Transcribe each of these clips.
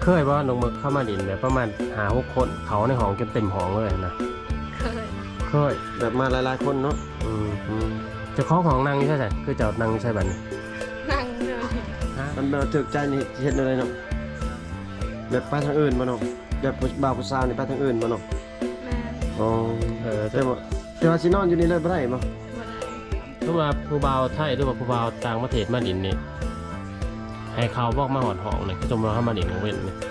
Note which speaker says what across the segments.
Speaker 1: เคยว่าลงมาเข้ามาดินแบบประมาณ5-6 คนเขาในห้องจนเต็มห้องเลยนะเคย
Speaker 2: แบบมาหลายๆคนเนาะ
Speaker 1: จะคล้องของนางนี่ใช่ไหมคือจะนางใช่บัดนี้
Speaker 3: นั่งเลย
Speaker 2: มันแบบถึกใจนี่เฮ็ดอะไรเนาะแบบไปทางอื่นบ่เนาะแบบบ่าวผู้สาวนี่ไปทางอื่นบ่เนาะ
Speaker 3: แม่
Speaker 2: อ๋อแต่ว่าสินอนอยู่นี่เลยบ่ได้บ่
Speaker 1: หรือว่าผู้บ่าวไทยหรือว่าผู้บ่าวต่างประเทศมาดินนี่ให้เขาบอกมาหอดห้องนี่จมเราเข้ามาดินของเว้นนี่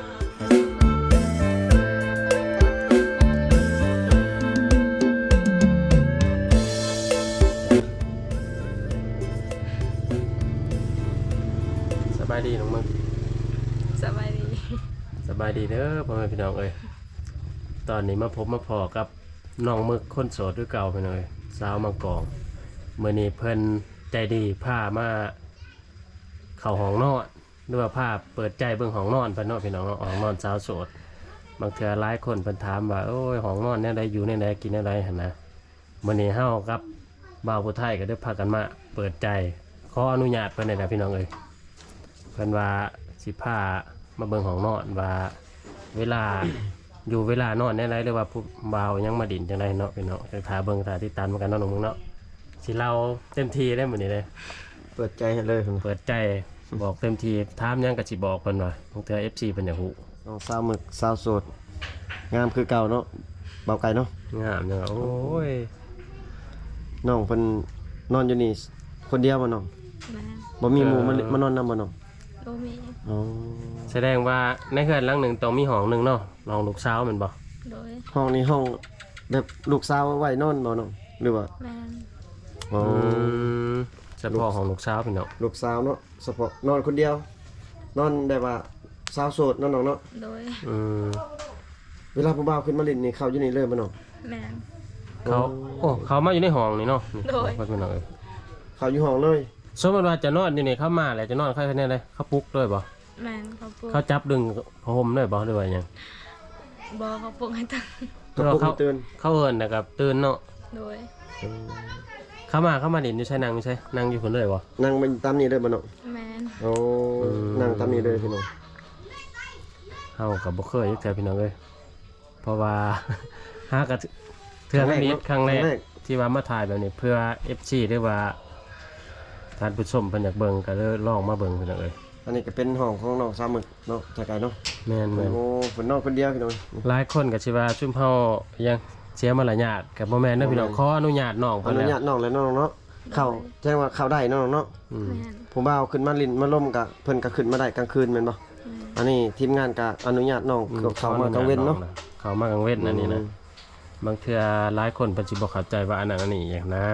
Speaker 1: สบายดีน้องมึง
Speaker 3: สบายดี
Speaker 1: เด้อพ่อแม่พี่น้องเอ้ยตอนนี้มาพบมาพอกับน้องมึกคนโสดด้วยเก่าไปเลยสาวมังกรเมื่อนี้เพิ่นใจดีพามาเข้าห้องนอนหรือว่าพาเปิดใจเบิ่งห้องนอนเพิ่นเนาะพี่น้องเนาะห้องนอนสาวโสดบางเทื่อหลายคนเพิ่นถามว่าโอ้ยห้องนอนแนวใดอยู่แนวใดกินแนวใดหั่นนะมื้อนี้เฮากับบ่าวผู้ไทยก็ได้พากันมาเปิดใจขออนุญาตเพิ่นได้นะพี่น้องเอ้ยเพิ่นว่าสิพามาเบิ่งห้องนอนว่าเวลา อยู่เวลานอนแนวใดหรือว่าผู้บ่าวยังมาดินจังไดเนาะพี่น้องจะพาเบิ่งตาติดตามกันเนาะน้องมึงเนาะสิเราเต็มที่ได้มื้อนี้เลย
Speaker 2: เปิดใจให้เลย
Speaker 1: เปิดใจบอกเต็มทีถามยังก็สิบอกเพิ่นว่าบางเทื่อ FC เพิ่นอยากฮู้
Speaker 2: น้องสาวหมึกสาวโสดงามคือเก่าเนาะเบาไก่เนาะ
Speaker 1: งามจังโอ้ย
Speaker 2: น้องเพิ่นนอนอยู่นี่คนเดียวบ่น้องบ่มีหมู่มานอนนำบ่น้อง
Speaker 3: บ่มี
Speaker 2: อ๋อ
Speaker 1: แสดงว่าในเฮือนหลังหนึงต้องมีห้องหนึงเนาะน้องลูกสาวแม่นบ่
Speaker 3: โดย
Speaker 2: ห้องนี้ห้องแบบลูกสาวไว้นอนบ่น้องหรือว่า
Speaker 3: แม่น
Speaker 2: อ๋อ
Speaker 1: เฉพาะของลูกสาวพี่น้อง
Speaker 2: ลูกสาวเนาะเฉพาะนอนคนเดียวนอนได้ว่าสาวโสดน้องเนาะ
Speaker 3: โดย
Speaker 2: เวลาผู้บ่าวขึ้นมาเล่นนี่เข้าอยู่นี่เลยบ่น้อง
Speaker 3: แม่น
Speaker 1: เขามาอยู่ในห้องนี่เนาะ
Speaker 3: โดย
Speaker 1: พี่น้องเอ้ย
Speaker 2: เข้าอยู่ห้องเลย
Speaker 1: สมมติว่าจะนอนอยู่นี่เข้ามาแล้วจะนอนใครแน่เลยเขาปลุกด้วยบ่
Speaker 3: แม่นเขาปลุก
Speaker 1: เขาจับดึงผ้าห่มด้วยบ่หรือว่าหยัง
Speaker 3: บ่เขาปลุกให้ตื่น
Speaker 2: เขาตื่น
Speaker 1: เขาเอิ้นนะครับตื่นเนาะ
Speaker 3: โดย
Speaker 1: เข้ามาดินอยู่ใช่นั่งใช่นั่งอยู่คนเลยบ่
Speaker 2: นั่งมันตามนี้เลยบ่น้อง
Speaker 3: แม่น
Speaker 2: โอ้นั่งตามนี้เลยพี่น้อง
Speaker 1: เฮาก็บ่เคยจักเทื่อพี่น้องเอ้ยเพราะว่าหากะเทื่อนี้ครั้งแรกที่ว่ามาถ่ายแบบนี้เพื่อ FC หรือว่าท่านผู้ชมเพิ่นอยากเบิ่งก็เลยลองมาเบิ่งพี่น้องเอ้ย
Speaker 2: อันนี้ก็เป็นห้องของน้องสาวหมึกเนาะจักไก่เนาะ
Speaker 1: แม่น
Speaker 2: โอ้เพิ่นนอนคนเดียวพี่น้อง
Speaker 1: หลายคนก็สิว่าซุมเฮายังเสียมารยาทก็บ่แม่นเด้อพี่น้องขออนุญาตน้อง
Speaker 2: เพิ่นอนุญาตน้องแล้วน้องเนาะเข้าแจ้งว่าเข้าได้น้องเนาะผู้บ่าวขึ้นมาลิ้นมาล่มก็เพิ่นก็ขึ้นมาได้กลางคืนแม่นบ่อันนี้ทีมงานก็อนุญาตน้องเข้ามากลางเว้นเนาะ
Speaker 1: เข้ามากลางเว้นอันนี้นะบางเทื่อหลายคนเพิ่นสิบ่เข้าใจว่าอันนั้นอันนี้อย่างนะ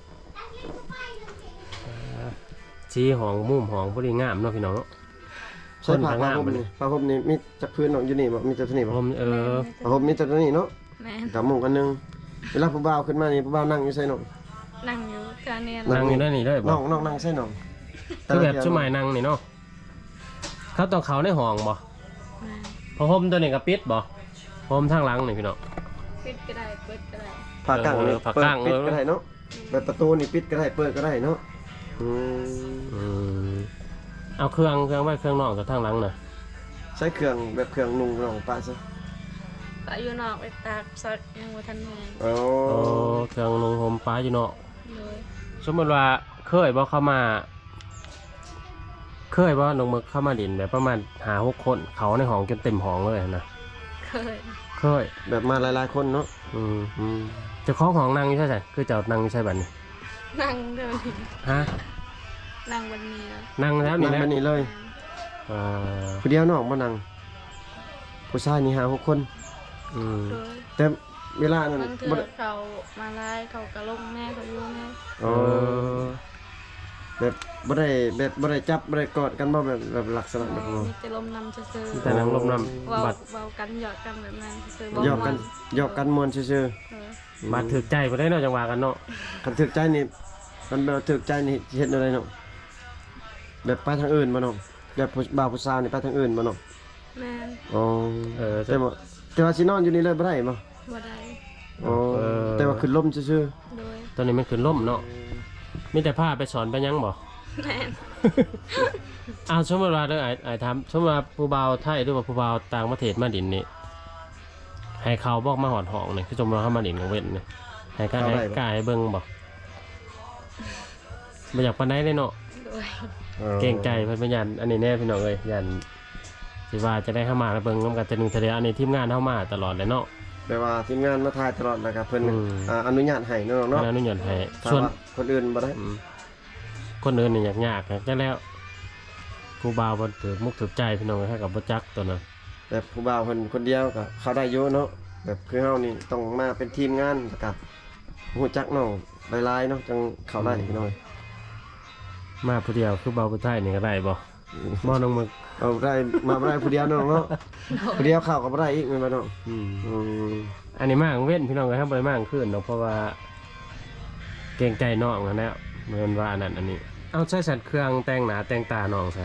Speaker 1: สีหองมุมหองบ่ได้งามเนาะพี่น้องเนาะ
Speaker 2: ใช่ผ้าห่มนี่ผ้าห่มนี่มีจักพื้นน้องอยู่นี่บ่มีแต่ตัวนี้บ่
Speaker 1: ห่ม
Speaker 2: ผ้าห่มมีแต่ตัวนี้เนาะ
Speaker 3: แม่น
Speaker 2: กับมุ้งอันนึงเวลาผู้บ่าวขึ้นมานี่ผู้บ่าวนั่งอยู่ไสน้อง
Speaker 3: นั่งอยู่กลางเนี่ย
Speaker 1: นั่งอยู่ได้นี่เลยบ่
Speaker 2: น้องนั่งไสน้อง
Speaker 1: คือแบบชุดใหม่นั่งนี่เนาะเขาต้องเข้าในห้องบ่ผ้าห่มตัวนี้ก็ปิดบ่ห่มทางหลังนี่พี่น้อง
Speaker 3: ปิดก็ได้เปิดก็ได้
Speaker 2: ผ้ากางนี่ผ้ากางปิดก็ได้เนาะแบบประตูนี่ปิดก็ได้เปิดก็ได้เนาะ
Speaker 1: เอาเครื่องไว้เครื่องนอกกับทางหลังน่ะ
Speaker 2: ใช้เครื่องแบบเครื่องนุ่งน้องป้าซะ
Speaker 3: ป้าอยู่นอกไปตากซักยังบ่ทันแห้ง
Speaker 2: โอ้
Speaker 1: เครื่องนุ่งห่มป้าอยู่นอกสมมติว่าเคยบ่เข้ามาเคยบ่น้องมึกเข้ามาดินแบบประมาณ5-6 คนเขาในห้องจนเต็มห้องเลยนะเคย
Speaker 2: แบบมาหลายๆคนเนาะ
Speaker 1: จะคล้องของนางอยู่ใช่ไหมคือจะนั่งอยู่ใช่บัดนี้
Speaker 3: นั่งเดี๋ยวนี้
Speaker 1: ฮะ
Speaker 3: นั่งวันนี้
Speaker 1: นั่งแล้วนี่
Speaker 2: นั่งวันนี้เลยผู้เดียวน้องบ่นั่งผู้ชายนี่5-6 คนแต่เวลานั้น
Speaker 3: บ่เขามาไล่เขากระลงแม่เขาอยู่แม่
Speaker 2: แบบบ่ได้จับบ่ได้กอดกันบ่แบบลักษณะแบบ
Speaker 3: มีแต่ลมนำซื่อๆ
Speaker 1: แต่ลมนำ
Speaker 3: บัดเว้ากันหยอกกันแบบนั้นซื่อ
Speaker 2: ๆหยอกกันม่วนซื่อ
Speaker 1: ๆบัดถึกใจบ่ได้เนาะจังว่ากันเนาะ
Speaker 2: คันถึกใจนี่มันแบบถึกใจนี่เฮ็ดอะไรเนาะแบบไปทางอื่นบ่น้องแบบบ่าวผู้สาวนี่ไปทางอื่นบ่น้อง
Speaker 3: แม่น
Speaker 2: อ๋อแต่ว่าสินอนอยู่นี่เลยบ่ได้บ่
Speaker 3: ได้
Speaker 2: อ๋อแต่ว่าขึ้นลมซื่อ
Speaker 1: ๆตอนนี้มันขึ้นลมเนาะมีแต่พาไปสอนไปยังบ่
Speaker 3: แม่น
Speaker 1: เอาสมมติว่าเด้อไอ้ถามสมมติว่าผู้บ่าวไทยหรือว่าผู้บ่าวต่างประเทศมาดินนี่ให้เขาบอกมาหอดห้องนี่คือสมมติว่าเขามาดินกับเว้นนี่ให้กล้าให้กล้าให้เบิ่งบ่บ่อยากปานใดเลยเนาะ
Speaker 3: โดย
Speaker 1: เก่งใจเพิ่นเป็นยันอันนี้แน่พี่น้องเอ้ยยันสิว่าจะได้เข้ามาแล้วเบิ่งนำกันแต่หนึงเทอเดียวอันนี้ทีมงานเข้ามาตลอดเลยเนาะ
Speaker 2: แปลว่าทีมงานมาถ่ายตลอดนะครับเพิ่น
Speaker 1: อืม
Speaker 2: อนุญาตให้เนาะเนาะ
Speaker 1: อนุญาตให้
Speaker 2: ถ้า
Speaker 1: ส่วน
Speaker 2: ว่าคนอื่นบ่ได้
Speaker 1: คนอื่นนี่ยากจังแล้วผู้บ่าวบ่ถือมุกถือใจพี่น้องเอ้ยให้กับบ่จักตัวนั้น
Speaker 2: แบบผู้บ่าวเพิ่นคนเดียวก็เข้าได้อยู่เนาะแบบคือเฮานี่ต้องมาเป็นทีมงานแล้วก็ฮู้จักน้องหลายๆเนาะจังเข้าได้พี่น้อย
Speaker 1: มาผู้เดียวคือบ่าวผู้ไทยนี่ก็ได้บ่บ่น้องมึก
Speaker 2: เอาได้มาบ่ได้ผู้เดียวเนาะเนาะผู้เดียวเข้าก็บ่ได้อีกแม่นบ่เนาะ
Speaker 1: อืม
Speaker 2: อืม
Speaker 1: อันนี้มากเว้นพี่น้องก็ทำบ่ได้มากขึ้นเนาะเพราะว่าเกรงใจน้องนั่นแหละเหมือนว่าอันนั้นอันนี้ เอาใช้สัตว์เครื่องแต่งหน้าแต่งตาน้องซะ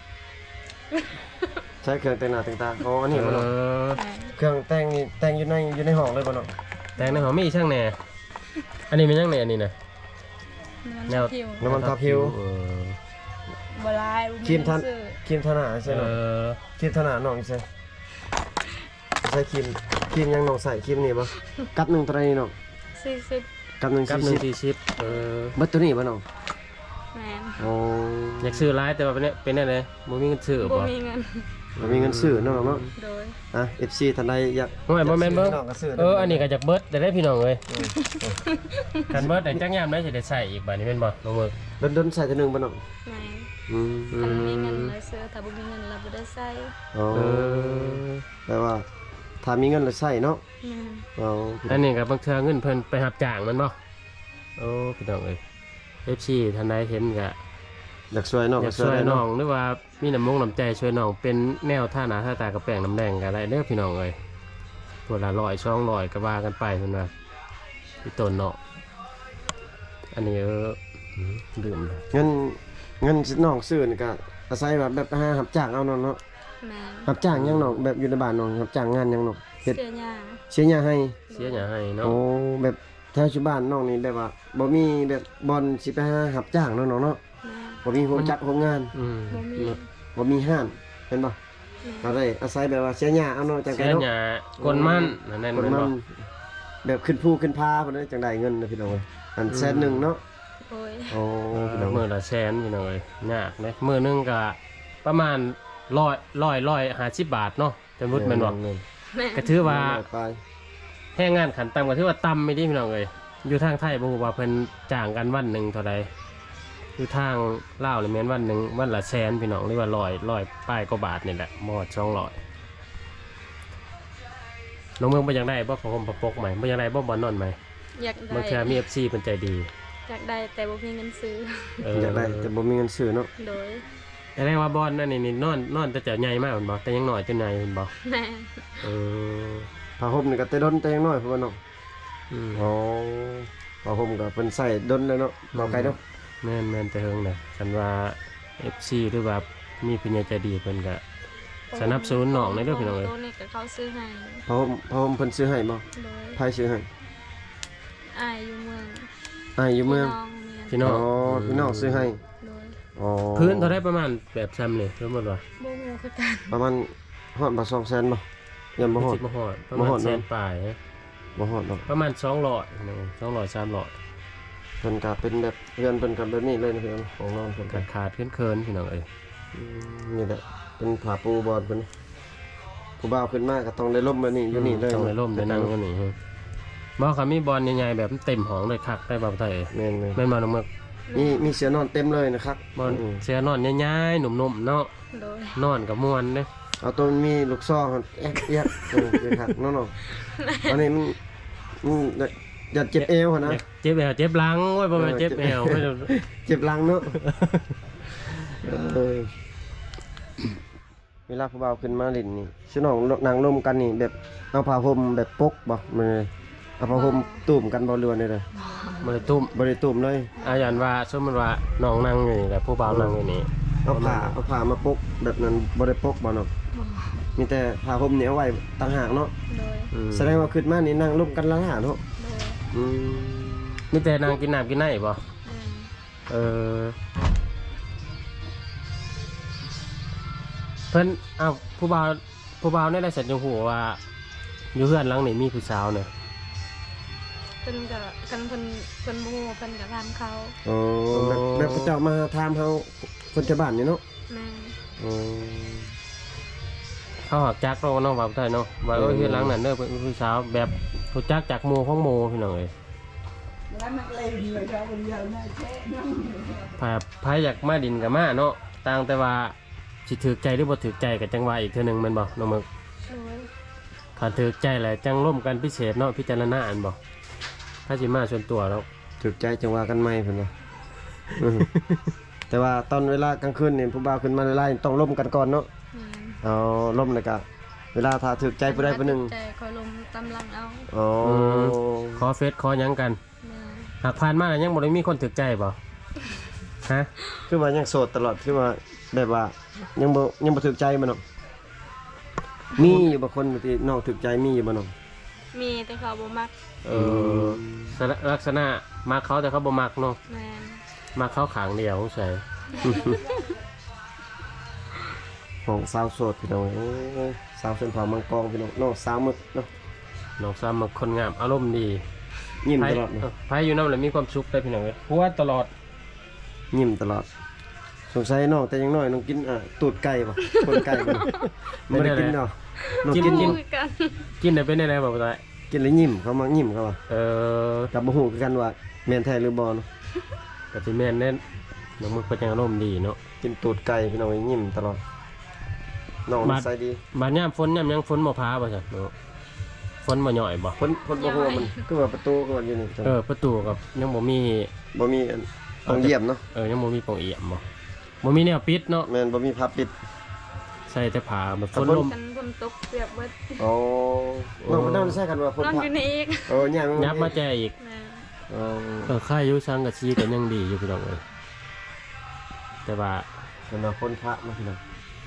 Speaker 2: ใช้เครื่องแต่งหน้าแต่งตาอ๋ออันนี้บ่เนาะ
Speaker 3: แม่น
Speaker 2: เครื่องแต่งนี่แต่งอยู่ในห้องเลยบ่เนาะ
Speaker 1: แต่งในหอมมีช่างแหน่อันนี้เป็นช่างแหน่อันนี้นะ แนว
Speaker 3: ผิว
Speaker 2: น้ำมันทาผิว
Speaker 3: บ่ลายบ่
Speaker 2: ครีมทัน
Speaker 3: ซื้อ
Speaker 2: ครีมทาหน้าใช่เนาะครีมทาหน้าน้องใช่ใช้ครีมยังน้องใส่ครีมนี่บ่กับหนึงเท่าไหร่นี่น้อง
Speaker 3: 40
Speaker 2: กับหนึง
Speaker 1: กับหนึ่ง
Speaker 2: 40
Speaker 1: ที่ชิป
Speaker 2: เบิดตัวนี้บ่น้อง
Speaker 3: แม่น
Speaker 2: อ๋อ
Speaker 1: อยากซื้อร้ายแต่ว่าเป็นอะไรบ่มีเงินซื้อ
Speaker 3: บ่
Speaker 1: บ่
Speaker 3: มีเงิน
Speaker 2: บ่มีเงินซื้อเนาะเนาะ
Speaker 3: โดย
Speaker 2: อ่ะ FC ท่านใดอยาก
Speaker 1: โอ้ยบ่แม่นเบิ่ง
Speaker 2: น้องก็ซื้อ
Speaker 1: อันนี้ก็จากเบิดแต่ได้พี่น้องเอ้ยกันเบิดแต่จักยามได้สิได้ใส่อีกบัดนี้แม่นบ่น้องมึก
Speaker 2: ดนๆใส่ตัวหนึงบ่น้อง
Speaker 3: แม่น
Speaker 2: อืม
Speaker 3: ถ้ามีเงินแล้วซื้อถ้าบ่มีเงินเราบ่ได้ใส่
Speaker 2: อ๋อแปลว่าถ้ามีเงินแล้วใช้เนาะ
Speaker 3: แม่น
Speaker 2: อ๋อ
Speaker 1: อันนี้ก็บางเทื่อเงินเพิ่นไปรับจ้างแมันบ่โอ้พี่น้องเอ้ย FC ท่านใดเห็นก็
Speaker 2: อยากช่วยน้อง
Speaker 1: อยากช่วยน้องหรือว่ามีน้ำใจช่วยน้องเป็นแนวท่าหนาท่าตากระแป้งน้ำแดงก็ได้เด้อพี่น้องเอ้ยตัวละ100 200ก็ว่ากันไปเพิ่นว่าพี่ต้นเนาะอันนี้ดื่มเลย
Speaker 2: เงินน้องซื้อนี่ก็อาศัยแบบหารับจ้างเอาเนาะ
Speaker 3: แม่น
Speaker 2: รับจ้างยังน้องแบบอยู่ในบ้านน้องรับจ้างงานยังน้องเฮ็ด
Speaker 3: เสื้อยา
Speaker 2: เสียหยังให้
Speaker 1: เสียหยังให้เนาะ
Speaker 2: โอ้แบบแถวชุบ้านน้องนี่แบบว่าบ่มีแบบบอลสิไปหารับจ้างเนาะน้องเนาะ
Speaker 3: แม่น
Speaker 2: บ่มีโรงจัดโรงงาน
Speaker 1: อืม
Speaker 3: บ่มี
Speaker 2: บ่มีห้านเป็นบ่
Speaker 3: แม่
Speaker 2: ก็
Speaker 3: น
Speaker 2: ได้อาศัยแบบว่าเสียหญ้าเอาเนาะจังได
Speaker 1: เสีย
Speaker 2: เนาะ
Speaker 1: หยังกลมันนั่นแม่น
Speaker 2: คน
Speaker 1: บ่
Speaker 2: มันแบบขึ้นภูขึ้นพาพุ่นเด้อจังได้เงินนะพี่น้องเอ้ยอันแสนหนึงเนาะ
Speaker 3: โอ้ย
Speaker 2: โอ้พี่น้อง
Speaker 1: มื้อละแสนพี่น้องเอ้ยยากเด้มื้อหนึงก็ประมาณ150 บาทเนาะจำรุดแม่นบ่
Speaker 3: แม่น
Speaker 1: ก็ถือว่า
Speaker 2: ไป
Speaker 1: แรงงานขันต่ำก็ถือว่าต่ำไม่ดีพี่น้องเอ้ยอยู่ทางไทยบ่ฮู้ว่าเพิ่นจ้างกันวันหนึงเท่าใดอยู่ทางลาวนี่แม่นวันหนึงวันละแสนพี่น้องหรือว่า100ป้ายกว่าบาทนี่แหละบ่ฮอด200น้องเมืองบ่อยากได้บ่ผ้าห่มผ้าปกใหม่บ่อยากได้บ่บ่นอนใหม่
Speaker 3: อยาก
Speaker 1: บาง
Speaker 3: ได้
Speaker 1: เทื่อมี FC เพิ่นใจดี
Speaker 3: อยากได้แต่บ่มีเงินซื้อ
Speaker 2: อยากได้แต่บ่มีเงินซื้อเนาะ
Speaker 3: โดย
Speaker 1: แสดงว่าบอนนั่นนี่นอนแต่ใหญ่มากแม่นบ่แต่ยังน้อยจนใหญ่แม่นบ่
Speaker 3: แม่น
Speaker 1: เออ
Speaker 2: ผ้าห่มนี่ก็แต่ดนแต่ยังน้อยพุ่นว่าเนาะ
Speaker 1: อืม
Speaker 2: อ๋อผ้าห่มก็เพิ่นใส่ดนเลยเนาะบ่ไกลเนาะ
Speaker 1: แม่นแต่เฮิงน่ะคันว่า FC หรือว่ามีผู้ใหญ่ใจดีเพิ่นก็ สนับสนุนน้องในเด้อพี่น้องเอ้ย
Speaker 3: ตัวนี้ก็เขาซื้อให้
Speaker 2: ผ้าห่มเพิ่นซื้อให้บ่
Speaker 3: โดย
Speaker 2: ไผซื้อให้
Speaker 3: อายอยู่เมือง
Speaker 2: อ้ายอยู่เมือง
Speaker 1: พี่น้อง
Speaker 2: พี่น้องซื้อให้
Speaker 3: โดย
Speaker 2: อ๋อ
Speaker 1: พื้นเท่าได้ประมาณแบบซ้ำนี่สมมุติว่า
Speaker 3: บ่ฮู้คือกัน
Speaker 2: ประมาณฮอดบ่200,000บ่ยังบ่ฮอด
Speaker 1: สิบ่ฮอดประ
Speaker 2: บ่
Speaker 1: มา
Speaker 2: ฮอ
Speaker 1: ณ
Speaker 2: ด
Speaker 1: แส
Speaker 2: เน
Speaker 1: น
Speaker 2: อะ
Speaker 1: ปลายฮะ
Speaker 2: บ่ฮอดดอก
Speaker 1: ประมาณ200พี่น้อง200 300
Speaker 2: เพิ่นก็เป็นแบบเรือนเพิ่นก็แบบนี้เลยนะพี่น้องของนอนเพิ่นก็
Speaker 1: ขาดเคินๆพี่น้องเอ้ย
Speaker 2: นี่แหละเป็นผ้าปูบอลเพิ่นผู้บ่าวขึ้นมาก็ต้องได้ล่มแบบนี้อยู่นี่เลย
Speaker 1: ต้องในร่มในนั่งกันนี่ฮะบ่ค่ะมีบอลใหญ่ๆแบบเต็มห้องเลยคักได้บ่าวไทย
Speaker 2: แม่น
Speaker 1: แม่นบ่น้องมึก
Speaker 2: ๆมีเสือนอนเต็มเลยนะครับ
Speaker 1: บอลเสื้อนอนใหญ่ๆหนุ่มๆเนาะ
Speaker 3: โดย
Speaker 1: นอนกับม่วนเด้
Speaker 2: เอาตัวมันมีลูกซองครับแอ๊กเอียกคือคักเนาะๆอันนี้มันอย่าเจ็บเอวหั่นนะ
Speaker 1: เจ็บแอวเจ็บหลังโอ้ยบ่แม่นเจ็บแอวไม่ได้
Speaker 2: เจ็บหลังเนาะเวลาผู้บ่าวขึ้นมาเล่นนี่สิน้องนั่งร่มกันนี่แบบเอาผ้าห่มแบบปกบ่มันเลยเอาผ้าห่มตุ่มกันบ่เรือนเลย
Speaker 1: บ่ได้ตุ้ม
Speaker 2: บ่ได้ตุ่มเลย
Speaker 1: อายันว่าสมมุติว่าน้องนั่งอยู่นี่แหละผู้บ่าวนั่งอยู่นี่
Speaker 2: เอาผ้ามาปกแบบนั้นบ่ได้ปกบ่เนาะ
Speaker 3: บ่
Speaker 2: มีแต่ผ้าห่มนี่เอาไว้ต่างหากเนาะ
Speaker 3: โดย
Speaker 2: แสดงว่าขึ้นมานี่นั่งร่มกันละหาเนาะ
Speaker 3: โดย
Speaker 2: อืม
Speaker 1: มีแต่นั่งกินน้ำกินไหนบ่
Speaker 3: แม่น
Speaker 1: เออเพิ่นอ้าวผู้บ่าวได้สัญญาหัวว่าอยู่เฮือนหลังนี่มีผู้สาวเนี่ย
Speaker 3: เพิ่นก็กันเพิ่นบ่ฮู้เพิ่นก็ถามเขา
Speaker 2: อ๋อแบบเขาเจ้ามาถามเฮาคนชาวบ้านนี่เนาะ
Speaker 3: แม่น
Speaker 2: อ๋อ
Speaker 1: เขาหักจักเราเนาะว่าบ่ได้เนาะว่าเฮือนหลังนั้นเด้อเป็นผู้สาวแบบผู้จักจากหมู่ของหมู่พี่น้องเอ้ยไผอยากมาดินก็มาเนาะต่างแต่ว่าสิถูกใจหรือบ่ถูกใจก็จังว่าอีกเทื่อนึงแม่นบ่น้องมึก
Speaker 3: โดย
Speaker 1: ถ้าถูกใจแหละจังร่วมกันพิเศษเนาะพิจารณาอันบ่ถ้าสิมาส่วนตัวแล้ว
Speaker 2: ถูกใจจังว่ากันใหม่เพิ่นว่าแต่ว่าตอนเวลากลางคืนนี่ผู้บ่าวขึ้นมาไล่ต้องร่วมกันก่อนเนาะ
Speaker 3: แม่น
Speaker 2: เอาร่มเลยกะเวลาถ้าถูกใจผู้ใดผู้หนึ่ง
Speaker 3: ใจคอยลมตำลังเอา
Speaker 2: อ๋อ
Speaker 1: ขอเฟซขอหยังกัน
Speaker 3: แม่น
Speaker 1: หากผ่านมาแล้วยังบ่ได้มีคนถูกใจบ่ฮะ
Speaker 2: คือว่ายังโสดตลอดคือว่าแบบว่ายังบ่ถูกใจมันเนาะมีอยู่บางคนที่น้องถูกใจมีอยู่บ่น้อง
Speaker 3: มีแต่เขาบ่มัก
Speaker 1: เออลักษณะมักเขาแต่เขาบ่มักเนาะ
Speaker 3: แม่น
Speaker 1: มักเขาขางเดียวสงสัย
Speaker 2: ของสาวโสดพี่น้องโอ้ยสาวเส้นผ่ามังกรพี่น้องน้องสาวมึกเนาะ
Speaker 1: น้องซ้ำมักคนงามอารมณ์ดี
Speaker 2: ยิ้ม
Speaker 1: ไผ
Speaker 2: ตลอดเนาะ
Speaker 1: ไผอยู่นำแล้วมีความสุขได้พี่น้องเอ้ยหัวตลอด
Speaker 2: ยิ้มตลอดสงสัยน้องแต่ยังน้อยน้องกินตูดไก่ป่ะคนไก่ป่ะไม่ได้กินเนาะน้องกิน
Speaker 3: ฮู้คือกัน
Speaker 1: กินได้เป็นได้บ่บ่ได้
Speaker 2: กินแล้วยิ้มเขามายิ้มเขาว่า กับบ่ฮู้คือกันว่าแม่นแท้หรือบ่เนาะ
Speaker 1: ก็สิแม่นแน่นน้องมึกเป็นจังอารมณ์ดีเนาะ
Speaker 2: กินตูดไก่พี่น้องยิ้มตลอดน้องนิสัยดี
Speaker 1: บาดยามฝนยามหยังฝนบ่พาบ่ซั่นเนาะฝนบ่ย่อยบ่
Speaker 2: เพิ่นบ่ฮู้ว่ามันคือว่าประตูก็ว่าอยู่นี่จัง
Speaker 1: ประตูกับยังบ่มี
Speaker 2: บ่มีอันต้องเยี่ยมเนาะ
Speaker 1: ยังบ่มีปล่องเอี่ยมบ่มีแนวปิดเนาะ
Speaker 2: แม่นบ่มีผ้าปิด
Speaker 1: ใส่แต่ผ้าแบบฝนลม
Speaker 3: กันฝนตกเปียกเบิด
Speaker 2: อ๋อน้องบ่นอนใส่กันว่าฝน
Speaker 3: นอน
Speaker 2: พระ
Speaker 3: อยู่นี่อีก
Speaker 2: ย่าง
Speaker 1: ยับมาแจอีก
Speaker 3: แม่น
Speaker 2: อ๋อ
Speaker 1: ค่ายอยู่ซังกับซีก็ยังดีอยู่พี่น้องเอ้ยแต่ว่า
Speaker 2: เป็นว่าฝนพระมาพี่น้อง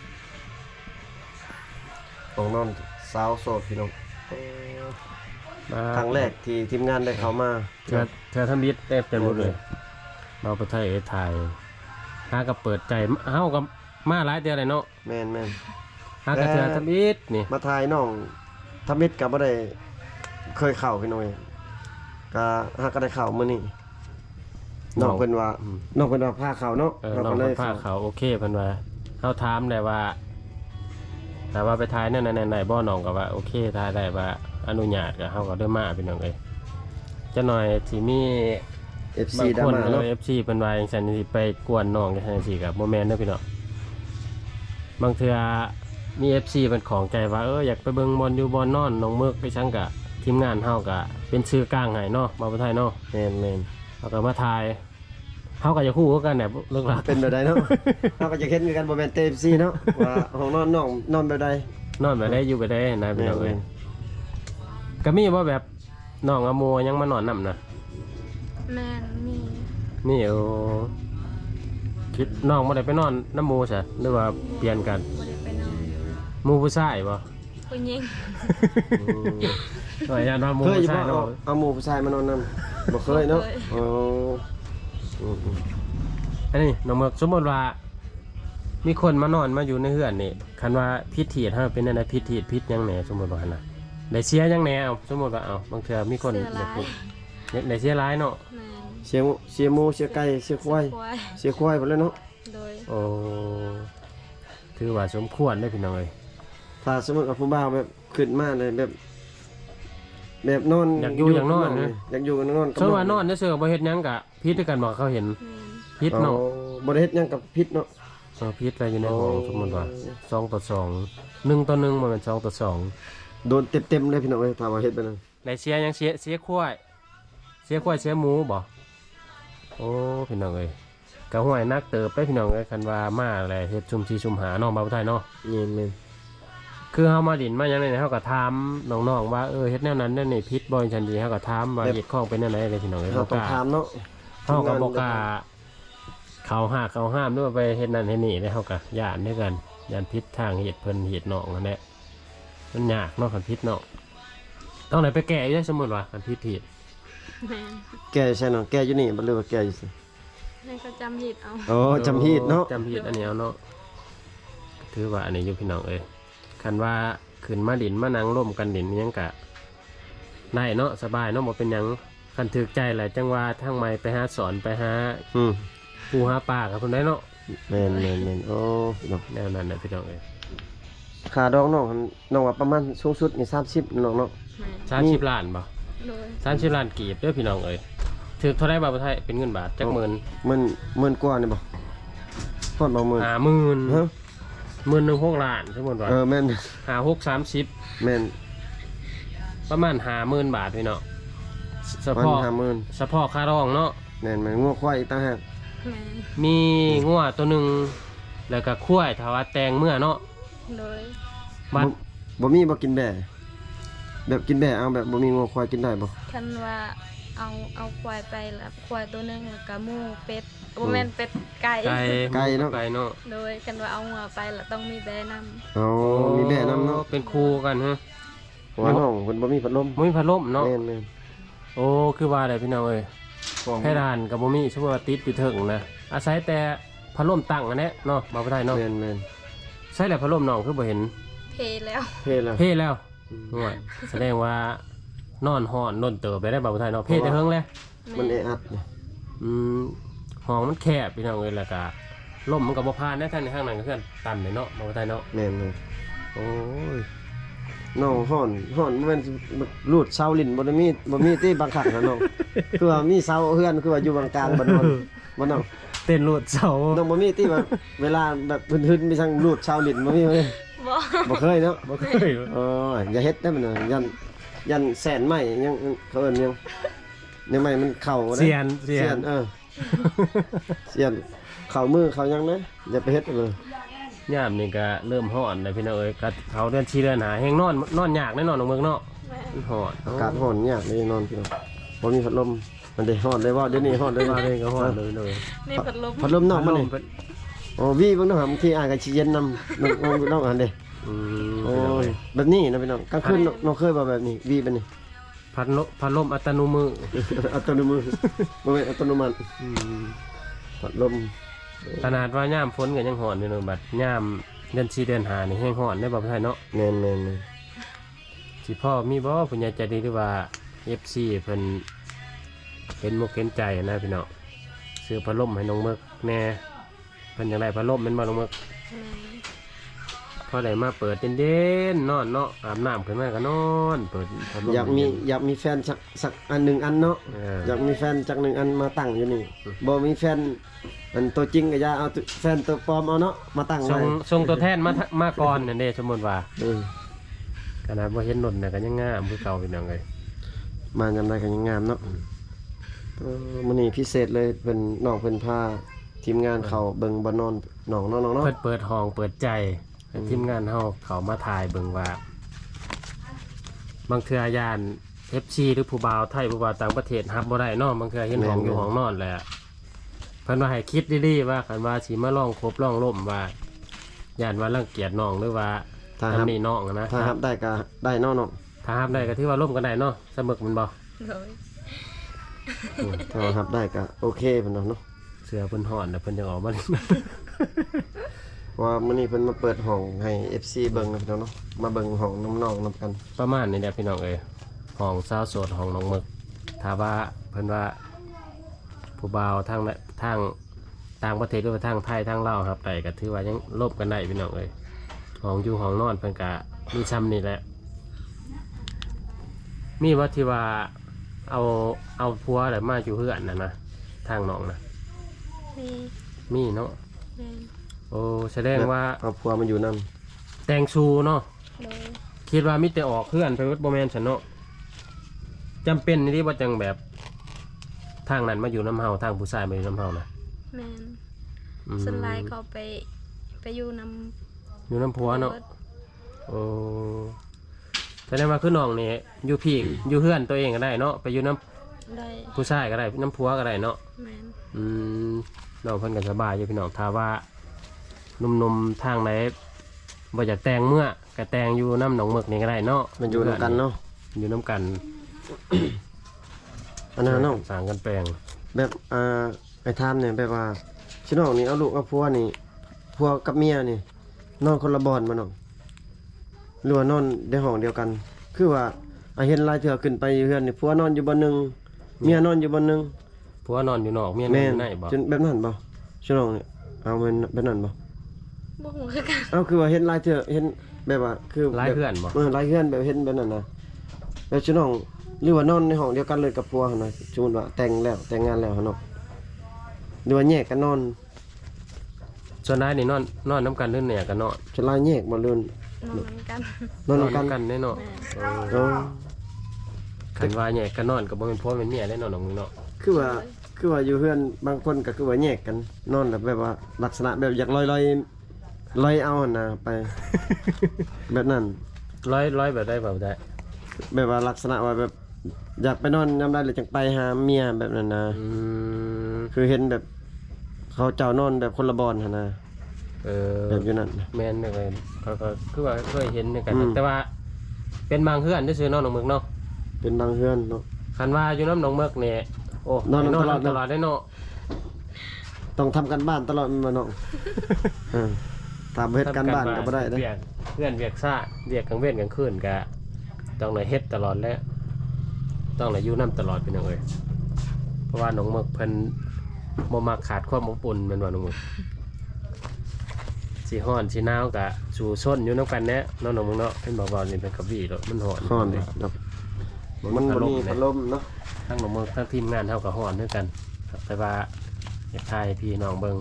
Speaker 2: ต้องนอนสาวโสดพี่น้อง
Speaker 1: มา
Speaker 2: ครั้งแรกที่ทีมงานได้เข้ามา
Speaker 1: เธอทำบิดเต็มหมดเลยเราไปไทยถ่ายหากับเปิดใจเฮากับมาหลายเดือนเลยเนาะ
Speaker 2: แม่น
Speaker 1: หากับเธอทำบิดนี่
Speaker 2: มาถ่ายน้องทำมิตรก็บ่ได้เคยเข้าพี่น้องก็หาก็ได้เข้ามื้อนี้น้องเพิ่นว่าน้องเพิ่นว่าพาเข้าเนาะ
Speaker 1: น้อง
Speaker 2: ก็เล
Speaker 1: เพิ่
Speaker 2: ย
Speaker 1: นพาเขาโอเคเพิ่นว่าเฮาถามได้ว่าแต่ว่าไปถ่ายนั่นไหนบ่น้องก็ว่าโอเคถ่ายได้ว่าอนุญาตก็เฮาก็ได้มาพี่น้องเอ้ยจะหน่อยสิมี
Speaker 2: FC
Speaker 1: บาง
Speaker 2: ดรา
Speaker 1: คน
Speaker 2: ม่าเนาะ
Speaker 1: FC เพิ่นว่าจังซั่นสิไปกวนน้องจังซั่นสิก็บ่แม่นเด้อพี่น้องบางเทื่อมี FC เพิ่นของใจว่าอยากไปเบิ่งบอลอยู่บอลนอนน้องเมือกไปซั่งก็ทีมงานเฮาก็เป็นชื่อกลางให้เนาะมาบ่ไทยเนาะ
Speaker 2: แม่น
Speaker 1: เฮาก็มาถ่ายเฮาก็จะคู่กันแหละเลิกลัก
Speaker 2: เป็นแบบใดเนาะ เราก็จะเห็นกันบ่แม่นเต็มซีเนาะว่าห้องนอนน้องนอนแบบใด
Speaker 1: นอนไปได้อยู่ไปได้นะพี่น้องเอ้ย
Speaker 2: แม่น
Speaker 1: ก็มีว่าแบบน้องอโมยังมานอนนํนะ
Speaker 3: แม่นมี
Speaker 1: นี่คิดน้องบ่ได้ไปนอนน้ำหมู่ซะหรือว่าเปลี่ยนกัน
Speaker 3: บ่ได้ไปนอน
Speaker 1: หมู่ผู้ชายบ่
Speaker 3: ผู้หญิง
Speaker 1: หน่อยอย่านอนหมู่
Speaker 2: เคยอยู่
Speaker 1: ผู้ชา
Speaker 2: บ่
Speaker 1: ยเนาะ
Speaker 2: เอาหมู่ผู้ชายมานอนนํบ่เคยเนาะอ๋อ
Speaker 1: อันนี้น้องเมือกสมมุติว่ามีคนมานอนมาอยู่ในเฮือนนี่คันว่าพิษถีดเฮาเป็นอันใดพิษถีดพิษหยังแหน่สมมุติว่าหั่นน่ะได้เสียหยังแหน่เอาสมมุติว่าเอาบางเทื่อมีคน
Speaker 3: เสื้อลาย
Speaker 1: ได้เสียหลายเนาะ
Speaker 3: แม่น
Speaker 2: เสียหมูเสียไก่เสียควาย
Speaker 3: ควาย
Speaker 2: เสียควายหมดเลยเนาะ
Speaker 3: โดย
Speaker 1: โอ้ถือว่าสมควรได้อพี่น้องเอ้ย
Speaker 2: ถ้าสมมุติว่าผู้บ่าวแบบขึ้นมาเลยแบบนอน
Speaker 1: อยากอยู่อยากนอนนะ
Speaker 2: อยากอยู่กันนอนกับ
Speaker 1: สมมุติว่านอนเฉยๆบ่เฮ็ดหยังก็พิษด้วยกันบ่เขาเห็น
Speaker 3: แม่น
Speaker 1: พิษเนาะ
Speaker 2: บ่ได้เฮ็ดหยังกับพิษเนาะ
Speaker 1: พิษอะไรอยู่ในห้องสมมุติว่า2 ต่อ 2 1 ต่อ 1บ่แม่น2 ต่อ 2
Speaker 2: โดนเต็มๆเลยพี่น้องเอ้ยถ้าว่าเฮ็ดไปนั้น
Speaker 1: ได้เสียหยังเสียควายเสียหมูบ่โอ้พี่น้องเอ้ยก็ห้วยนักเติบไปพี่น้องเอ้ยคันว่ามาอะไรเฮ็ดซุ่ม4ซุ่มหาน้องบ่าวไทยเนาะ
Speaker 2: แม่น
Speaker 1: คือเฮามาดินมาหยังไดเฮาก็ถามน้องๆว่าเฮ็ดแนวนั้นแนวนี้พิษบ่จังดีเฮาก็ถามว่าเฮ็ดของเป็นแนวไหนเลยพี่น้องเอ้ย
Speaker 2: เราต้องถามเนาะ
Speaker 1: เฮาก็บ่กล้าเขาห้ามด้วยไปเฮ็ดนั่นเฮ็ดนี่ได้เฮาก็ย่านด้วยกันย่านพิษทางเฮ็ดเพิ่นเฮ็ดน้องนั่นแหละมันยากเนาะคันพิษเนาะต้องไหนไปแก้อีกสมมุติว่าคันพิษผิด
Speaker 3: แม่น
Speaker 2: แก่ใช่เนาะแก่อยู่นี่บ่รู้ว่าแก่อยู่ซิ
Speaker 3: ให้เขาจำผิดเอา
Speaker 2: อ๋อจำฮีดเนาะ
Speaker 1: จำผิดอันนี้เอาเนาะถือว่าอันนี้อยู่พี่น้องเอ้ยคันว่าขึ้นมาดินมานั่งร่วมกันดินยังกะได้เนาะสบายเนาะบ่เป็นหยังคันถึกใจแหละจังว่าทางใหม่ไปหาสอนไปหา
Speaker 2: อืม
Speaker 1: ปูหาปลากับเพิ่นได้เนาะ
Speaker 2: แม่นโอ้เนาะ
Speaker 1: แนวนั้นน่ะพี่น้องเอ้ย
Speaker 2: ค่าดองน้องว่าประมาณสูงสุดนี่30น้องเนาะ
Speaker 3: แม่น
Speaker 1: 30ล้านบ่
Speaker 3: โดย
Speaker 1: 30ล้านกีบเด้อพี่น้องเอ้ยถึกเท่าไรบาทไทยเป็นเงินบาทจักหมื่น
Speaker 2: มันกว่านี่บ่พอดบ่หมื่น
Speaker 1: 50,000
Speaker 2: ฮะ
Speaker 1: 16,000ล้านสมมุติว่า
Speaker 2: แม่น
Speaker 1: 56
Speaker 2: แม่น
Speaker 1: 30ประมาณ50,000บาทพี่น้องเฉ
Speaker 2: มัน
Speaker 1: พาะ
Speaker 2: 50,000
Speaker 1: เฉพาะค่ารองเนาะ
Speaker 2: แม่นมันงัวควายอีกต่างหาก
Speaker 3: แม่น
Speaker 1: มีงัวตัวหนึงแล้วก็ควายถ้าว่าแตงเมื่อเนาะ
Speaker 3: โดย
Speaker 1: บัด
Speaker 2: บ่มีบ่กินแบ่แบบกินแบ่เอาแบบบ่มีงัวควายกินได้บ่
Speaker 3: คันว่าเอาควายไปแล้วควายตัวหนึงแล้วก็หมูเป็ดบ่แม่นเป็ดไก่
Speaker 1: ไก่เนาะ
Speaker 3: โดยคันว่าเอาหัวไปแล้วต้องมีแบนำ
Speaker 2: อ๋อมีแบ่นำเนาะ
Speaker 1: เป็นคู่กันฮะ
Speaker 2: เพราะว่าน้องเพิ่นบ่มีพัดลม
Speaker 1: บ่มีพัดลมเนาะ
Speaker 2: แม่น
Speaker 1: โอ้คือว่าได้พี่น้องเอ้ยเพดานกับบ่มีสมมุติว่าติดอยู่เถิงนะอาศัยแต่พัดลมตั้งอันเนี้ยเนาะบ่ได้เนาะ
Speaker 2: แม่น
Speaker 1: ใช่แหละพัดลมน้องคือบ่เห็น
Speaker 3: เพแล้ว
Speaker 2: เท่แล้ว
Speaker 1: เพ่แล้วห่วยแสดงว่านอนฮ้อนล้นเติบไปได้บ่ไทยเนาะเพ่แต่เฮิงเลย
Speaker 2: มันแออัดเนี่ย
Speaker 1: อืมห้องมันแคบพี่น้องเอ้ยแล้วก็ลมมันก็บ่ผ่านนะท่านในข้างนั้นก็คือตันเลยเนาะบ่ไทยเนาะ
Speaker 2: แม่น
Speaker 1: โอ้ย
Speaker 2: น้องฮ้อนบ่แม่นรูดเสาลิ้นบ่ได้มีที่บางคักนะน้องคือว่ามีเสาเฮือนคือว่าอยู่บางกลางบ่นอนบ่น้อง
Speaker 1: เต้นรูดเสา
Speaker 2: น้องบ่มีที่ว่าเวลาแบบพื้นๆมีทั้งรูดเสาลิ้นบ่มีเลย
Speaker 3: บ่
Speaker 2: บ่เคยเนาะ
Speaker 1: บ่เคย
Speaker 2: อย่าเฮ็ดได้มันยันแสนไม้ยังเขาเอิ้นยังไม้มันเข้าได้
Speaker 1: เสียน
Speaker 2: เสียนเสียนเข้ามือเข้ายังนะอย่าไปเฮ็ดเลย
Speaker 1: ยามนี่ก็เริ่มฮ้อนแล้วพี่น้องเอ้ยก็เขาเดือน4เดือนหาแฮงนอนยากแน่นอนน้องเมืองเนาะ
Speaker 3: แม่น
Speaker 1: มันฮ้อน
Speaker 2: อากาศร้อนยากเลยนอนพี่น้องบ่มีพัดลมมันได้ร้อนเลยว่าเดี๋ยวนี้ร้อนเลย
Speaker 1: มา
Speaker 2: ว่า
Speaker 1: เลยก็ฮ้อนเลย
Speaker 3: นี่พัดลม
Speaker 2: พัดลมนอกมันนี่
Speaker 1: เพิ่น
Speaker 2: โอ้วีเบิ่งเนาะบางทีอายก็สิเย็นนำน้องอันเด้
Speaker 1: อืม
Speaker 2: โอ้ยแบบนี้นะพี่น้องกลางคืนน้องเคยบ่แบบนี้วีเป็นนี่
Speaker 1: พัดลมอัตโนมือ
Speaker 2: อัตโนมือบ่แม่นอัตโนมัติพัดลม
Speaker 1: ขนาดว่ายามฝนก็ยังฮ้อนอยู่เนาะบัดยามเดือน4เดือน5นี่แฮงฮ้อนได้บ่ไทยเนาะ
Speaker 2: แม่น
Speaker 1: สิพ่อมีบ่ผู้ใหญ่ใจดีหรือว่า FC เพิ่นเห็นมุกเห็นใจนะพี่น้องซื้อพัดลมให้น้องมึกแน่เพิ่นอยากได้พัดลมแม่นบ่น้องมึก
Speaker 3: แม่น
Speaker 1: พอได้มาเปิดเย็นๆนอนเนาะอาบน้ำขึ้นมาก็นอนเปิดพัดลม
Speaker 2: อยากมีแฟนสักอันหนึ่งอันเนาะอยากมีแฟนจักหนึ่งอันมาตั้งอยู่นี่บ่มีแฟนอันตัวจริงก็อย่าเอาแฟนตัวปลอมเอาเนาะมาตั้ง
Speaker 1: ส่
Speaker 2: ไว้
Speaker 1: งตัวแทนมาก่อนนั่นเด้สมมุติว่า
Speaker 2: เออ
Speaker 1: ขนาดบ่เห็นนนน่ะก็ยังงามคือเก่าพี่น้องเอ้ย
Speaker 2: มาจำได้กันยังงามเนาะมื้อนี้พิเศษเลยเพิ่นน้องเพิ่นพาทีมงานเขาเบิ่งบ่นอนน้องเนาะ
Speaker 1: เพิ่นเปิดห้องเปิดใจให้ทีมงานเฮาเขามาถ่ายเบิ่งว่า บางเทื่อยาน FC หรือผู้บ่าวไทยผู้บ่าวต่างประเทศรับบ่ได้เนาะบางเทื่อเห็นห้องอยู่ห้องนอนแหละเพิ่นว่าให้คิดดีๆว่าคันว่าสิมาลองคบลองล่มว่าย่านว่ารังเกียจน้องหรือว่า
Speaker 2: ถ้ารับ
Speaker 1: ทำนี่น้องนะ
Speaker 2: ถ้ารับได้ก็ได้เนาะน้อง
Speaker 1: ถ้ารับได้ก็ถือว่าล่มกันได้เนาะเสมอมันบ่
Speaker 3: โดย
Speaker 2: ถ้ารับได้ก็โอเคเพิ่นเนาะ
Speaker 1: เสือเพิ่นฮ้อนแล้วเพิ่นจะออกมาเล่น
Speaker 2: เพราะว่ามื้อนี้เพิ่นมาเปิดห้องให้ FC เบิ่งนะพี่น้องเนาะมาเบิ่งห้องน้องๆนํกัน
Speaker 1: ประมาณนี้แหละพี่น้องเอ้ยห้องสาวโสดห้องน้องหมึกถ้าว่าเพิ่นว่าผู้บ่าวทางต่างประเทศหรือว่าทางไทยทางลาวครับได้ก็ถือว่ายังลบกันได้พี่น้องเอ้ยห้องอยู่ห้องนอนเพิ่นก็มีซ้ำนี่แหละมีว่าที่ว่าเอาผัวอะไรมาอยู่เฮือนนะทางน้องนะ
Speaker 3: มี
Speaker 1: มีเนาะ
Speaker 3: แม่น
Speaker 1: โอ้แสดงว่า
Speaker 2: เอาผัวมาอยู่นํ
Speaker 1: แต่งชูเนาะ
Speaker 3: โดย
Speaker 1: คิดว่ามิแต่ออกเพื่อนไปวัดบ่แม่นฉันเนาะจำเป็นนี่ว่าจังแบบทางนั้นมาอยู่น้ำเฮาทางผู้ชายมาอยู่น้ำเฮานะ
Speaker 3: แม่น
Speaker 1: อืม
Speaker 3: สไลด์เขาไปอยู่นำ
Speaker 1: อยู่น้ำผัวเนาะโอ้แสดงว่าคือน้องนี่อยู่พี่อยู่เพื่อนตัวเองก็ได้เนาะไปอยู่น้
Speaker 3: ได้
Speaker 1: ำผู้ชายก็ได้น้ำผัวก็ได้เนาะ
Speaker 3: แม่น
Speaker 1: อืมน้องเพิ่นก็สบายอยู่พี่น้องถ้าว่าหนุ่มๆทางไหนบ่อยากแต่งเมื่อก็แต่งอยู่น้ำหนองหมึกนี่ก็ได้เนาะ
Speaker 2: มันอยู่นํกันเนาะ
Speaker 1: อยู่น้ำกัน
Speaker 2: อันนั้นน้อง
Speaker 1: สร้างกันแปลง
Speaker 2: แบบไอ้ทามเนี่ยแบบว่าชิน้องนี่เอาลูกเอาผัวนี่ผัวกับเมียนี่นอนคนละบ่อนบ่น้องหรือว่านอนในห้องเดียวกัน คือว่าเห็นหลายเทื่อขึ้นไปอยู่เฮือนนี่ผัวนอนอยู่บ่อนหนึงเมียนอนอยู่บ่อนหนึง
Speaker 1: ผัวนอนอยู่นอกเมียนอน
Speaker 2: แม่
Speaker 1: อน ยู่ในบ่
Speaker 2: จนแบบนั้นบ่ชื่อน้องนี่เอาแม่นแบบนั้นบ่
Speaker 3: บ่ฮู้คือกัน
Speaker 2: เอาคือว่าเห็นหลายเทื่อเห็นแบบว่าคือ
Speaker 1: หลายเพื่อนบ่
Speaker 2: หลายเฮือนแบบเห็นแบบนั้นนะแล้วชื่อน้องหรือว่านอนในห้องเดียวกันเลยกับผัวหั่นน่ะสมมุติว่าแต่งงานแล้วหั่นเนาะหรือว่าแยกกันนอน
Speaker 1: ส่วนนายนี่นอนน้ำกันเรื่องเนี่ยกันเนาะ
Speaker 2: จะลายแยกบ่เลื่อน
Speaker 3: นอนกัน
Speaker 2: นอนนำกัน
Speaker 1: กันแน่เนาะ
Speaker 2: เออ
Speaker 1: คันว่าเนี่ยกันนอนก็บ่เป็นพ่อเป็นเมียแน่นอนน้องมึงเนาะ
Speaker 2: คือว่าอยู่เฮือนบางคนก็คือว่าแยกกันนอนแบบว่าลักษณะแบบอยากลอยเอาหั่นน่ะไป แบบนั้น
Speaker 1: ร้อยแบบได้แบบได้
Speaker 2: แบบว่าลักษณะว่าแบบอยากไปนอนยามใดเลยจังไปหาเมียแบบนั้นนะ
Speaker 1: อืม
Speaker 2: คือเห็นแบบเขาเจ้านอนแบบคนละบอนหั่นนะ แบบอยู่นั่นนะ
Speaker 1: แม่นเลยเขาก็คือว่าเคยเห็นเหมือนกัน
Speaker 2: อืม
Speaker 1: แต่ว่าเป็นบางเฮือนซื่อๆเนาะน้องมึงเนาะ
Speaker 2: เป็นบางเฮือนเนาะ
Speaker 1: คันว่าอยู่น้ำหนองเมือกเนี่ยโอ้
Speaker 2: นอนตลอด
Speaker 1: ตลอดได้เนาะ
Speaker 2: ต้องทำกันบ้านตลอดแม่นบ่น้อง เออตามเฮ็ดการบ้านก็บ่ได้เด้
Speaker 1: เวียกเพื่อนเวียกซ่าเวียกกลางเว้นกลางคืนก็ต้องเลยเฮ็ดตลอดแล้วต้องเลยอยู่น้ำตลอดเป็นอย่างเอ้ยเพราะว่าน้องเมือกเพิ่นบ่มักขาดความอบอุ่นแม่นว่าน้องเมือกสิฮ้อนสิหนาวก็สู่ส้นอยู่นํกันแน่เนาะน้องเมือกเนาะเพิ่นบอกว่านี่เป็นกระบี่เนาะมันฮ้อน
Speaker 2: ฮ้อนเนาะมันบ่มีพัดลมเนาะ
Speaker 1: ทั้งน้องเมือกทั้งทีมงานเฮาก็ฮ้อนด้วยกันแต่ว่าอยากทายให้พี่น้องเบิ่ง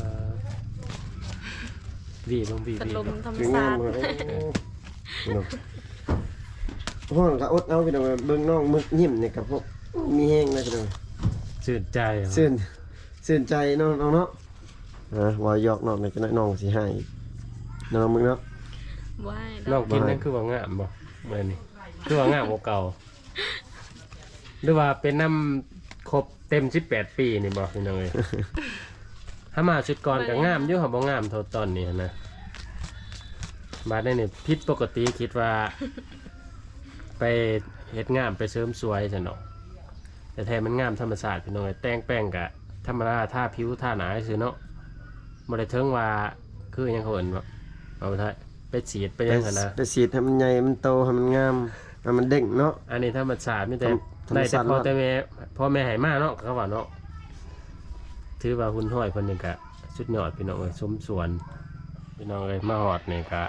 Speaker 1: วีเบิ่งวี
Speaker 3: พัดลมธรรม
Speaker 2: คืองา
Speaker 3: ชาม ติ
Speaker 2: เลยเนาะฮ้อนก็อดเอาพี่น้องเบิ่งน้องมึกยิ้มนี่ก็พวกมีแฮงเลยพี่น้อง
Speaker 1: ชื่นใจ
Speaker 2: ซื่นใจน้องเนาะว่าหยอกน้องนี่จะน้อยน้องสิให้น้องมึงเนาะ
Speaker 3: บ่ให้
Speaker 1: น้องกินนั่นคือว่างามบ่มื้อนี้คือว่างามกว่าเก่าหรือว่าเป็นน้ำครบเต็ม18ปีนี่บ่พี่น้องเอ้ย ถ้ามาชุดก่อนก็งามอยู่ค่ะบ่งามเท่าตอนนี้นะบาดนี้นี่ผิดปกติคิดว่า ไปเฮ็ดงามไปเสริมสวยซั่นเนาะแต่แท้มันงามธรรมชาติพี่น้องเอ้ยแต่งแป้งก็ธรรมดาทาผิวทาหน้าซื่อเนาะบ่ได้ถึงว่าคือหยังเขาเอิ้นว่าเอาไปไปฉีดไปหยังหั่นนะ
Speaker 2: ไปฉีดให้มันใหญ่มันโตให้มันงามให้มันเด้งเนาะ
Speaker 1: อันนี้ธรรมชาติมีแต่
Speaker 2: ธรรม
Speaker 1: ได้
Speaker 2: ชา
Speaker 1: แต่
Speaker 2: ติ
Speaker 1: พ่อแม่ให้มาเนาะเขาว่าเนาะถือว่าหุ่นห้อยเพิ่นนี่ก็สุดยอดพี่น้องเอ้ยสมส่วนพี่น้องเอ้ยมาฮอดนี่ก็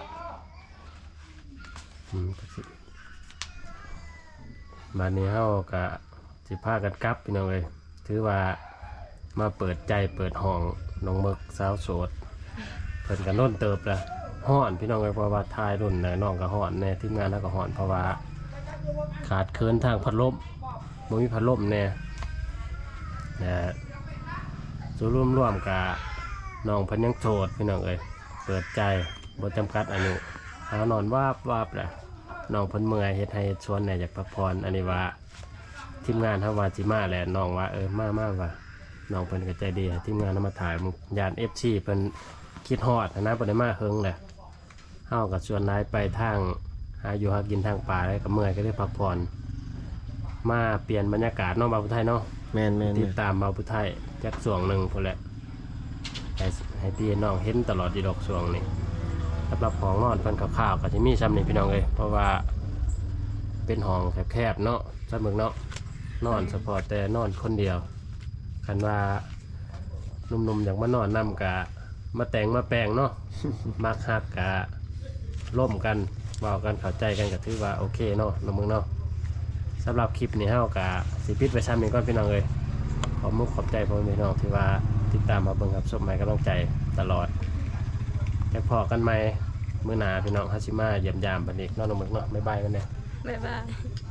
Speaker 1: มานี้เฮาก็สิพากันกลับพี่น้องเอ้ยถือว่ามาเปิดใจเปิดห้องน้องมึกสาวโสดเพิ่นก็โน่นเติบละฮ้อนพี่น้องเอ้ยเพราะว่าทายรุ่นน่ะน้องก็ฮ้อนแน่ทีมงานเฮาก็ฮ้อนเพราะว่าขาดเคินทางพัดลมบ่มีพัดลมแน่นะส่วนรวมๆกับน้องเพิ่นยังโสดพี่น้องเอ้ยเปิดใจบ่จำกัดอายุหานอนวาบแหละน้องเพิ่นเมื่อยเฮ็ดให้ชวนแหน่อยากพักผ่อนอันนี้ว่าทีมงานเฮาว่าสิมาแหละน้องว่ามาว่าน้องเพิ่นก็ใจดีให้ทีมงานเอามาถ่ายญาติ FC เพิ่นคิดฮอดนะบ่ได้มาเฮิงแหละเฮาก็ชวนนายไปทางหาอยู่หากินทางป่าแล้วก็เมื่อยก็ได้พักผ่อนมาเปลี่ยนบรรยากาศเนาะบ่าวผู้ไทยเนาะ
Speaker 2: แม่น
Speaker 1: ติดตามบ่าวผู้ไทยจักช่วงหนึงพุ่นแหละให้พี่น้องเห็นตลอดอีดอกช่วงนี้สำหรับของนอนเพิ่นข้าวๆก็สิมีซ้ำนี่พี่น้องเอ้ยเพราะว่าเป็นห้องแคบๆเนาะซัมึกเนาะนอนเฉพาะแต่นอนคนเดียวคันว่าหนุ่มๆอยากมานอนนํกะมาแต่งมาแปลงเนาะ มักฮักกะร่วมกันเว้ากันเข้าใจกันก็ถือว่าโอเคเนาะน้องมึงเนาะสำหรับคลิปนี้เฮากะสิปิดไว้ซ้ำนี้ก่อนพี่น้องเอ้ยขอบมุกขอบใจพ่อแม่พี่น้องที่ว่าติดตามมาเบิ่งครับชมใหม่กำลังใจตลอดแล้วพอกันใหม่มื้อหน้าพี่น้องฮัชิมาเยี่ยมยามบัดนี้เนาะน้องมึงเนาะบ๊ายบายกันเด้อ
Speaker 3: บ๊ายบาย